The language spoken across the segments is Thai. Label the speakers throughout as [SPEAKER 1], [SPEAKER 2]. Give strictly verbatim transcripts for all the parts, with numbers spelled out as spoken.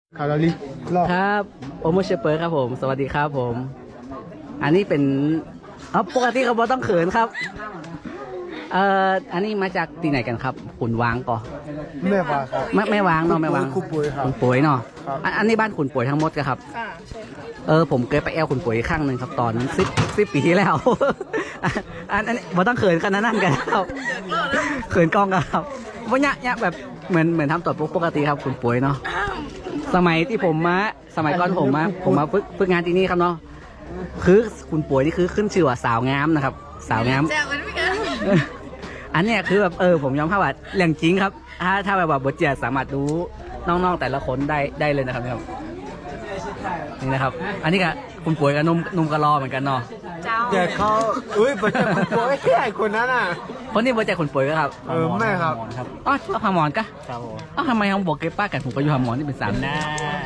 [SPEAKER 1] คาราลี
[SPEAKER 2] ครับโอโมเชเปอร์ครับผมสวัสดีครับผม อันนี้เป็นอ๋อปกติเขาบอกต้องเขินครับเอ่ออันนี้มาจากที่ไหนกันครับขุนวางก่อ
[SPEAKER 1] แม่วางครับ
[SPEAKER 2] ไม่ไม่วางเนาะไม่วาง
[SPEAKER 1] ขุนป่วยครับ
[SPEAKER 2] ขุนป่วยเนาะ
[SPEAKER 1] ครับ
[SPEAKER 2] อันอันนี้บ้านขุนป่วยทั้งหมดกันครับ
[SPEAKER 3] ค่ะใช่ค่ะ
[SPEAKER 2] เออผมเคยไปแอลขุนป่วยครั้งหนึ่งครับตอนสิบสิบปีที่แล้ว อันอันนี้บ่ต้องเขินขนาดนั้นกันครับเขินกล้องกันครับว่าเนี่ยเนี่ยแบบเหมือนเหมือนทำตัวปกติครับขุนป่วยเนาะสมัยที่ผมมาสมัยก่อนผมมาผมมาฝึกฝึกงานที่นี่ครับเนาะคือขุนป่วยนี่คือขึ้นชื่อว่าสาวงามนะครับ สาวงาม
[SPEAKER 3] แจ้งมันไม่กัน
[SPEAKER 2] อันเนี้ยคือแบบเออผมยอมรับว่าเรื่องจริงครับ ถ้าถ้าแบบว่าบทเจียสามารถรู้น้องๆแต่ละคนได้ได้เลยนะครับเนี่ยครับนี่นะครับ อันนี้ก็คุณป่วยกับนุ่มนุ่มกระรอเหมือนกันเนาะ
[SPEAKER 3] เจ้า
[SPEAKER 1] แต่เขาอุ้ยปัจจุบันโอ้ยไอ้คนนั้นอ่ะ
[SPEAKER 2] คนนี้บทเจียคุณป่วยก็ครับ
[SPEAKER 1] เออแม่ครับ
[SPEAKER 2] อ๋อเอาพามอนกะ
[SPEAKER 4] ครับผม
[SPEAKER 2] อ๋อทำไมเขาบอกเก็บป้ากันผมก็อยู่พามอนนี่เป็นสามหน้า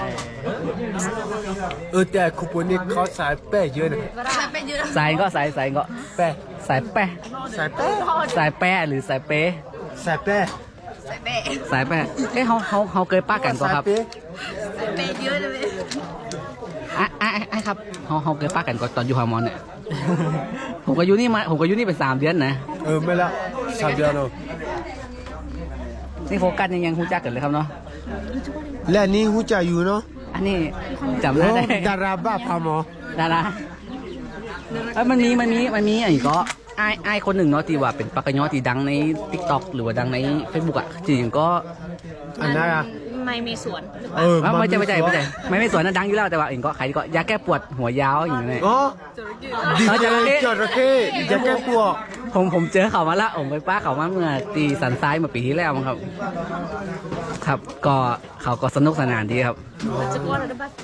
[SPEAKER 1] เออแต่คุณป่วยนี่เขาสายแป้เยอะนะ
[SPEAKER 3] ใส่ไปเยอะ
[SPEAKER 2] สายก็สายสายก็
[SPEAKER 1] แป้
[SPEAKER 2] สายแปะ
[SPEAKER 1] สายแป้
[SPEAKER 2] สายแปะหรือสายเป๊ะ
[SPEAKER 1] สายแป้
[SPEAKER 3] ใส่เปะ
[SPEAKER 2] สายแปะเอ้เขาเขาเขาเคยป้ากันก็
[SPEAKER 1] สาย
[SPEAKER 2] ครับ
[SPEAKER 1] เป้
[SPEAKER 3] ใส่เปะเยอะเลย
[SPEAKER 2] อ่ะอ่ะอ่ะอ่ะครับเขาเขาเคยป้ากันก็ตอนอยู่พามอนเนี่ย ผมก็อยู่นี่มาผมก็อยู่นี่เป็นสามเดือนนะ
[SPEAKER 1] เออไม่ละสามเดือนเนาะ
[SPEAKER 2] นี่โฟกัสยังยังรู้จักกันเลยครับเนาะ
[SPEAKER 1] และนี่หูจะอยู่เนาะ
[SPEAKER 2] อันนี้จำได้
[SPEAKER 1] โอ้
[SPEAKER 2] ได้
[SPEAKER 1] ดาราบ้าพาหมอ
[SPEAKER 2] ดาราเอ้ยมันมีมันมีมันมีอะไรก็ไอ้ไอ้คนหนึ่งเนาะที่ว่าเป็นปากกะยอที่ดังใน ติ๊กต็อก หรือว่าดังใน เฟซบุ๊ก อ่ะจริงๆก็
[SPEAKER 1] อันนั้นอ่ะ
[SPEAKER 3] ไม่มีสวน
[SPEAKER 1] เออ
[SPEAKER 2] ไม่ไม่ใช่ไม่ใช่ไม่ใช่ไม่ไม่สวยนะดังอยู่แล้วแต่ว่าเองก็ใครก็ยาแก้ปวดหัวยาวอย่างเงี้ย
[SPEAKER 1] อ๋อดี
[SPEAKER 2] เอา
[SPEAKER 1] เจ
[SPEAKER 2] จระเข้
[SPEAKER 1] จระเข้จะแก้ปวด
[SPEAKER 2] ผมผมเจอเขามาละผมไปป้าเขามาเมื่อตีสันซ้ายเมื่อปีที่แล้วมั้งครับ ครับก็เขาก็สนุกสนานดีครับ
[SPEAKER 3] จะกลัวหรือเปล่า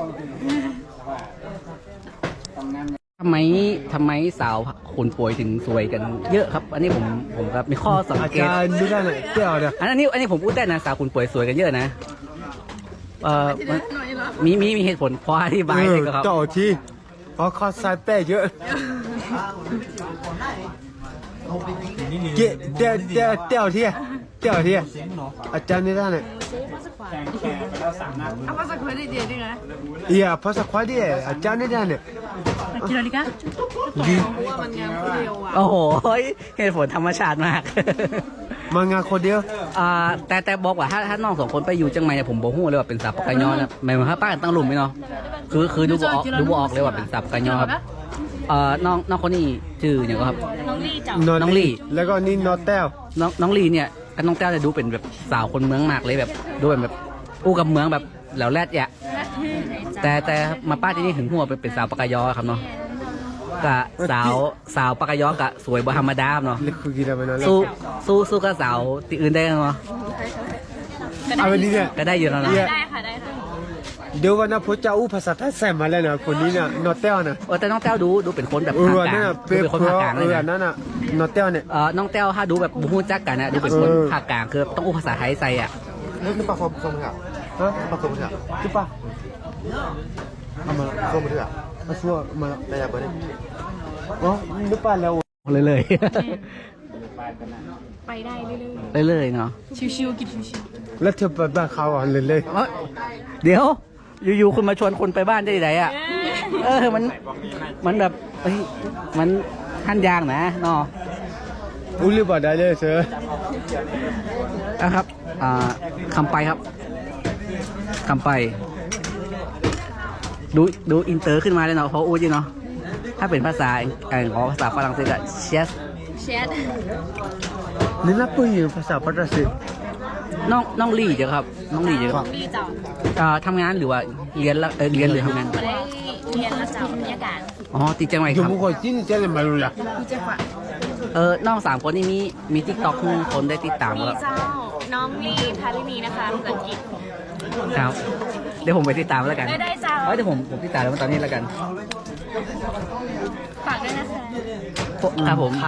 [SPEAKER 2] ทำไมทำไมสาวคนป่วยถึงสวยกันเยอะครับ อันนี้ผมผมครับมีข้อสัง
[SPEAKER 1] อา
[SPEAKER 2] เกต
[SPEAKER 1] จารย์ดูได้เลยเปรี้ยวเนี่ย
[SPEAKER 2] อันนี้อันนี้ผมพูดได้นะสาวคนป่วยสวยกันเยอะนะเอ่อมัน
[SPEAKER 3] หน่อยเหรอ
[SPEAKER 2] มีมีมีเหตุผลพออธิบายเลยครับ
[SPEAKER 1] ต่อทีเพราะเขาสายแป้เยอะเกะเดี๋ยวเดี๋ยวเดี๋ยวทีเดี๋ยวทีอาจารย์นี่ได้เนี่ย
[SPEAKER 3] เอามาสักคนได้เดียวได้ไง
[SPEAKER 1] เอียภาษาควายดิอาจารย์นี่ได้เนี่ย
[SPEAKER 3] กินอะไรกัน
[SPEAKER 1] ดี
[SPEAKER 3] เพราะว่ามันงามคนเดียวอ่ะ
[SPEAKER 2] โอ้โหเหตุผลธรรมชาติมาก
[SPEAKER 1] มางานคนเดียว
[SPEAKER 2] อ่าแต่แต่บอกว่าถ้าถ้าน้องสองคนไปอยู่จังไหมเนี่ยผมบอกหูเลยว่าเป็นสับปะกะยอนะหมายถึงถ้าป้ากันตั้งหลุมไหมเนาะคือคือดูบออกดูบออกเลยว่าเป็นสับปะกะยอครับเอ่อน้องน้องคนนี้ชื่ออย่างก็ครับ
[SPEAKER 3] น้องลี่เจ้า
[SPEAKER 2] น้องลี่
[SPEAKER 1] แล้วก็นี่นอแต้ว
[SPEAKER 2] น้องน้องลีเนี่ยกับน้องแต้วจะดูเป็นแบบสาวคนเมืองมากเลยแบบดูเป็นแบบอู้กับเมืองแบบแหล้วแรดแยะแต่แต่มาป้าที่นี่ถึงหัวเป็นเป็นสาวปากกายอครับเนาะกะสาวสาวปากกายอกะสวยบ่ธรรมดาเนาะ
[SPEAKER 1] เล็กคือกี่ได้ไหมนะ
[SPEAKER 2] สู้สู้สู้กับสาวที่อื่นได้เนาะ
[SPEAKER 1] เอาวันนี้เนี่ย
[SPEAKER 2] ก็ได้อยู่แล้วเนาะ
[SPEAKER 3] ได้ค่ะได้ค่ะ
[SPEAKER 1] เดี๋ยววันนั้นพระเจ้าอู้ภาษาไทยแซมมาแล้วนะคนนี้เนี่ยนอแต้วนะ
[SPEAKER 2] เออแต่น้องแต้วดูดูเป็นคนแบบ
[SPEAKER 1] เอ
[SPEAKER 2] ภา
[SPEAKER 1] อ
[SPEAKER 2] คก
[SPEAKER 1] นั่
[SPEAKER 2] ลาน ง
[SPEAKER 1] น่ะ
[SPEAKER 2] ดู
[SPEAKER 1] เป็น
[SPEAKER 2] เป็นคน
[SPEAKER 1] เพ
[SPEAKER 2] ภาค
[SPEAKER 1] ราะ
[SPEAKER 2] กลาง
[SPEAKER 1] เอ
[SPEAKER 2] เลย
[SPEAKER 1] อ
[SPEAKER 2] นะ
[SPEAKER 1] นั่นน่ะนอแต้วเนี่ย
[SPEAKER 2] เออน้องแต้วถ้าดูแบบบูฮู้จักกันนะดูเป็นคน
[SPEAKER 1] เออ
[SPEAKER 2] ภาคกลางคือต้องอู้ภาษาไทยใส่อ่ะ
[SPEAKER 1] นี่ปากคมคมค่ะฮะปากคมค่ะจุ๊บป่ะเอามาคมมาด้วยอ่ะมาชัวมาได้ยังไงอ๋อนึกป่ะแล้ว
[SPEAKER 2] เลยเลย
[SPEAKER 3] ไปได้เรื่อย
[SPEAKER 2] ๆเลยๆเนาะ
[SPEAKER 3] ๆชิวๆกินชิว
[SPEAKER 1] แล้วเธอไปบ้านเขาอ่ะเลยเลย
[SPEAKER 2] เอ้ยเดี๋ยวอยู่ๆคุณมาชวนคนไปบ้านได้ไหนอ่ะ เออมันมันแบบเฮ้ยมันขั้นยางนะเนาะ
[SPEAKER 1] อุ้ยบ่ได้เลยเสือ
[SPEAKER 2] นะครับอ่าคำไปครับคำไป ดูดูอินเตอร์ขึ้นมาเลยเนาะเพราะอู้จีเนาะถ้าเป็นภาษาอังกฤษภาษาฝรั่งเศสอะเชส
[SPEAKER 3] ๆแชท
[SPEAKER 1] นี่นับปืนภาษาฝรั่งเศส
[SPEAKER 2] น้องน้องลี่เจ้ะครับน้องลี่เจ้ะครับ
[SPEAKER 3] ลี่เจ้า
[SPEAKER 2] อ่าทำงานหรือว่าเรียนละเออเรียนหรือทำงาน
[SPEAKER 3] ไม่ได้เรียนแล้วเจ้าบรรยากาศ
[SPEAKER 2] อ๋อติดจังไหน
[SPEAKER 1] อ
[SPEAKER 2] ค
[SPEAKER 1] ยู่
[SPEAKER 2] รับ
[SPEAKER 1] มุขจินเจริญมาลุละ
[SPEAKER 3] มีจังหวะ
[SPEAKER 2] เออน้องสามคนนี่มีมีทิกตอกคนได้ติดตาม
[SPEAKER 3] มี
[SPEAKER 2] แล้ว
[SPEAKER 3] เจ้าน้องลี่พารินีนะคะภาษาอังกฤษ
[SPEAKER 2] ครับเดี๋ยวผมไปติดตามแล้วกัน
[SPEAKER 3] ได้ได้เจ้า
[SPEAKER 2] เอ้ยเดี๋ยวผมผมติดตามแล้วตอนนี้แล้วกัน
[SPEAKER 3] ฝากด้วยนะคะ
[SPEAKER 2] ครับผม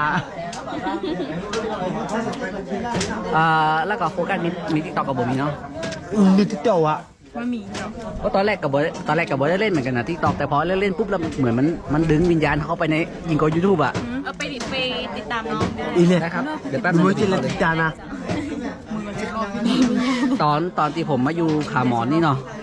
[SPEAKER 2] อ่าแล้วก็โฟกัสมีมีทิกตอกกับผมมีเนาะ
[SPEAKER 1] นี่ที่เจ้าอ่ะ
[SPEAKER 3] มามีเจ้า
[SPEAKER 2] เพราะตอนแรกกับบตอนแรกกับบได้เล่นเหมือนกันนะทิกตอกแต่พอเล่นเล่นปุ๊บแล้วเหมือนมันมันดึงวิญญาณเข้าไปในยิงกอยูทูบอ่ะ
[SPEAKER 3] เออไปติดไปติดตามน้องได้
[SPEAKER 1] อีเลย
[SPEAKER 2] นะครับเดี๋ยวแป๊บ
[SPEAKER 1] ดู
[SPEAKER 2] นึง
[SPEAKER 1] มือจินละติจานะ
[SPEAKER 2] ตอนตอนที่ผมมาอยู่ขาหมอนนี่เนาะ